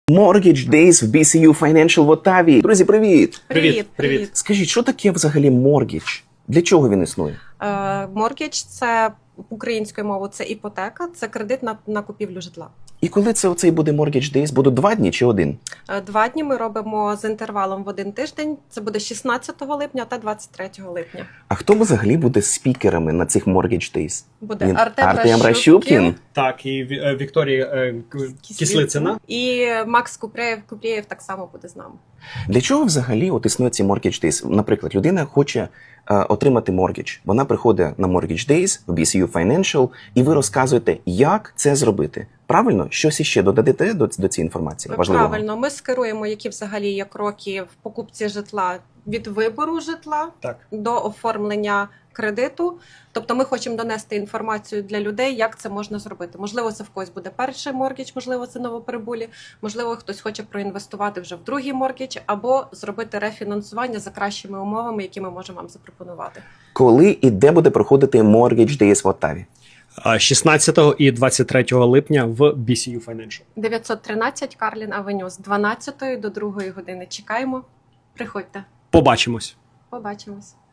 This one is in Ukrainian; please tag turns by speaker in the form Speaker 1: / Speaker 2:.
Speaker 1: Mortgage Days в BCU Financial в Оттаві. Друзі, привіт!
Speaker 2: Привіт.
Speaker 1: Скажіть, що таке взагалі mortgage? Для чого він існує?
Speaker 2: Mortgage – це українською мовою це іпотека, це кредит на купівлю житла.
Speaker 1: І коли це оцей буде Mortgage Days? Будуть 2 дні чи 1?
Speaker 2: 2 дні ми робимо з інтервалом в 1 тиждень. Це буде 16 липня та 23 липня.
Speaker 1: А хто взагалі буде спікерами на цих Mortgage Days?
Speaker 2: Буде
Speaker 1: Артем Ращупкін.
Speaker 3: Так, і Вікторія Кислицина.
Speaker 2: І Макс Купрієв так само буде з нами.
Speaker 1: Для чого взагалі от існує ці Mortgage Days? Наприклад, людина хоче отримати mortgage. Вона приходить на Mortgage Days в BCU Financial, і ви розказуєте, як це зробити. Правильно? Щось іще додадете до цієї інформації? Важливого?
Speaker 2: Правильно. Ми скеруємо, які взагалі є кроки в покупці житла від вибору житла до оформлення кредиту. Тобто ми хочемо донести інформацію для людей, як це можна зробити. Можливо, це в когось буде перший моргідж, можливо, це новоприбулі, можливо, хтось хоче проінвестувати вже в другий моргідж, або зробити рефінансування за кращими умовами, які ми можемо вам запропонувати.
Speaker 1: Коли і де буде проходити Mortgage Days в Оттаві?
Speaker 3: 16 і 23 липня в BCU Financial.
Speaker 2: 913 Карлін Авеню з 12 до 2 години. Чекаємо. Приходьте.
Speaker 3: Побачимось.
Speaker 2: Побачимось.